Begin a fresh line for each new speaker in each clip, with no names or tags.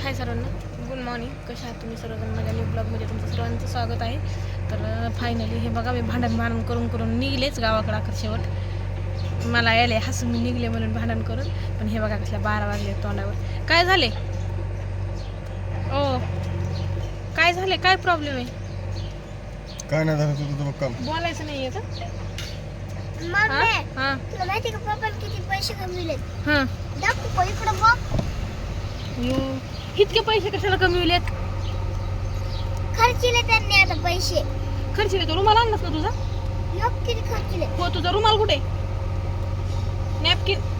हाय सर्वांना, good morning. कशा आहात तुम्ही सर्वजण? माझ्या न्यू ब्लॉगमध्ये तुमचं सर्वांचं स्वागत आहे. तर फायनली हे बघा, मी भांडण करून निघलेच गावाकडे अखेर शेवट. मला यायला हसून मी निघले म्हणून भांडण करून. पण हे बघा कसल्या 12 वाजले तोंडावर. काय झाले ओ? काय झाले? काय प्रॉब्लेम आहे?
काय नाही झालं तुझं काम
बोलायचं नाही आहे का?
तुला माहिती का पप्पा किती पैसे कमविले?
हां,
दाखव इकडं बघ.
इतके पैसे कशाला कमविलेत?
खर्चिले त्यांनी आता पैसे.
खर्चिले तो रुमाल आणलास ना तुझा?
योग किती खर्चिले?
हो, तुझा रुमाल कुठे? नॅपकिन.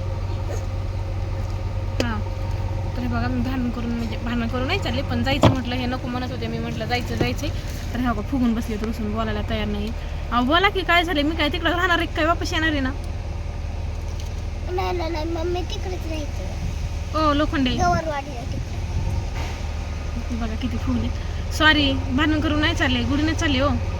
हां, तर हे बघा, मी भांडण करून नाही चालले, पण जायचं म्हटलं. हे नको म्हणत होते, मी म्हटलं जायचं. तर हे बघा फुगून बसले, तर रुसून बोलायला तयार नाही. अहो बोला की, काय झाले? मी काय तिकडे राहणार आहे काय? वापस येणार आहे ना?
नाही मम्मी तिकडेच राहायचं.
ओ लोखंडे,
गवरवाडीला तिकडे.
बघा किती फुगले. सॉरी, भांडण करून नाही चालले, गुढीने चालले.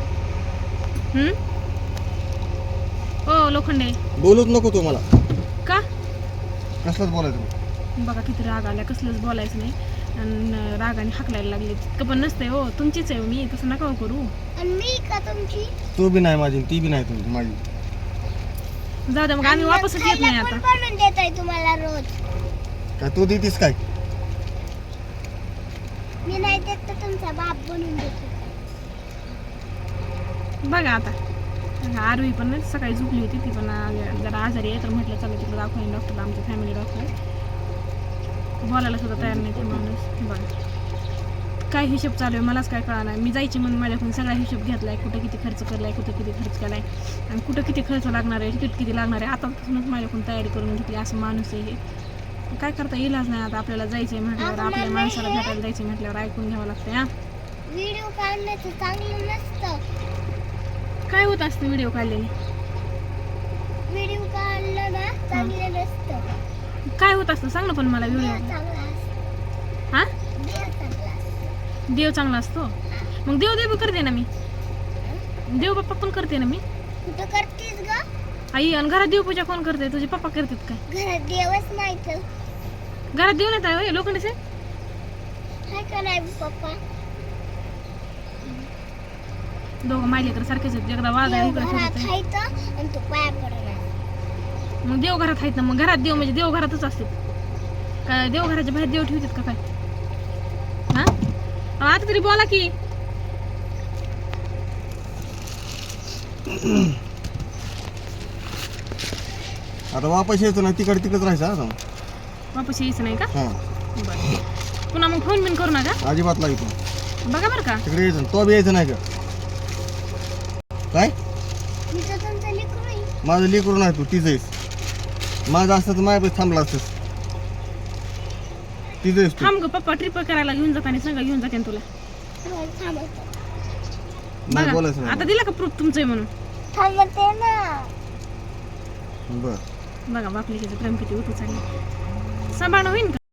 ओ लोखंडे,
बोलूच नको तू मला.
का?
कसलंच बोलायचं.
बघा किती राग आला, कसलंच बोलायचं नाही. आणि रागाने हाकलायला लागले. तितकं पण नसतंय हो, तुमचीच आहे मी, तसं नका करू.
आणि मी का तुमची?
तू बी नाही माझी, ती बी नाही तुझी माझी.
जाऊ द्या मग, आम्ही वापसच येत नाही
कोण
आता.
बनवून देताय तुम्हाला रोज?
काय तू देतीस काय?
मी नाही देत तर तुमचा बाप बनवून देतो.
बघा आता आरवी पण नाही, सकाळी झोपली होती ती पण जरा आजारी आहे. तर म्हटलं चला तिकडे दाखवून डॉक्टरला, आमच्या फॅमिली डॉक्टर. बोलायला सुद्धा तयार नाही ते माणूस. बघा काय हिशोब चालू आहे मलाच काय कळणार नाही. मी जायची म्हणून माझ्याकडून सगळा हिशोब घेतलाय, कुठं किती खर्च केलाय, कुठं किती खर्च केलाय आणि कुठं किती खर्च लागणार आहे, तिकीट किती लागणार आहे. आतापासूनच माझ्याकडून तयारी करून घेतली. असं माणूस आहे हे, काय करता इलाज नाही. आता आपल्याला जायचंय म्हटल्यावर, आपल्या माणसाला भेटायला जायचं म्हटल्यावर ऐकून घ्यावं लागतं. हा,
व्हिडिओ काढण्याचं चांगलं नसतं.
काय होत असतं व्हिडिओ काढलेले?
व्हिडिओ काढलं ना चांगलं नसतं.
काय होत असतं सांग ना पण मला. व्हिडिओ
चांगला असतं.
हा,
चांगला असतं.
देव चांगला असतो. मग देव करते ना मी, देव बाप्पा पण करते ना मी.
कुठं करतेस ग?
आई, आणि घरात देवपूजा कोण करते? तुझे पप्पा करतात काय?
घरात देवच नाही तर.
घरात देव नाही आहे लोखंडे?
हाय का नाही पप्पा?
दोघं मायलेकर सारखेच आहेत. एकदा वाघ आहे,
देव
इकडे
घरात
फिरत आहे.
हायत आणि तू पाया पडणार.
मग देव घरात आहेत ना. मग घरात देव म्हणजे देव घरातच असते काय? देव घराच्या बाहेर देव ठेवतात का काय? हा, आता तरी बोला की.
आता वापस यायचं नाही, तिकडेच राहायचं. आता
वापस यायचं नाही का?
हा,
बरं, पुन्हा मग फोन बिन करू नका
अजिबात लागतो.
बघा बरं का.
तिकडे यायचं, तो बी यायचं नाही का? काय
मी तर तुमचं लेकरू आहे.
माझं लेकरू नाही, तू तिचं आहेस. माझं असतं तर माझ्यापाशी थांबला असतंस. तिचं आहेस तू.
थांब ग पप्पा, ट्रिप करायला घेऊन जाताना सांगा, घेऊन जाते तुला.
थांबतो.
नाही
बघा,
बोलायचं
आता
नाही.
दिला का प्रूफ तुमचं आहे म्हणून?
थांबते ना.
बरं,
बघा बापले प्रेम किती उठू चालले. सांभाळणं होईन का?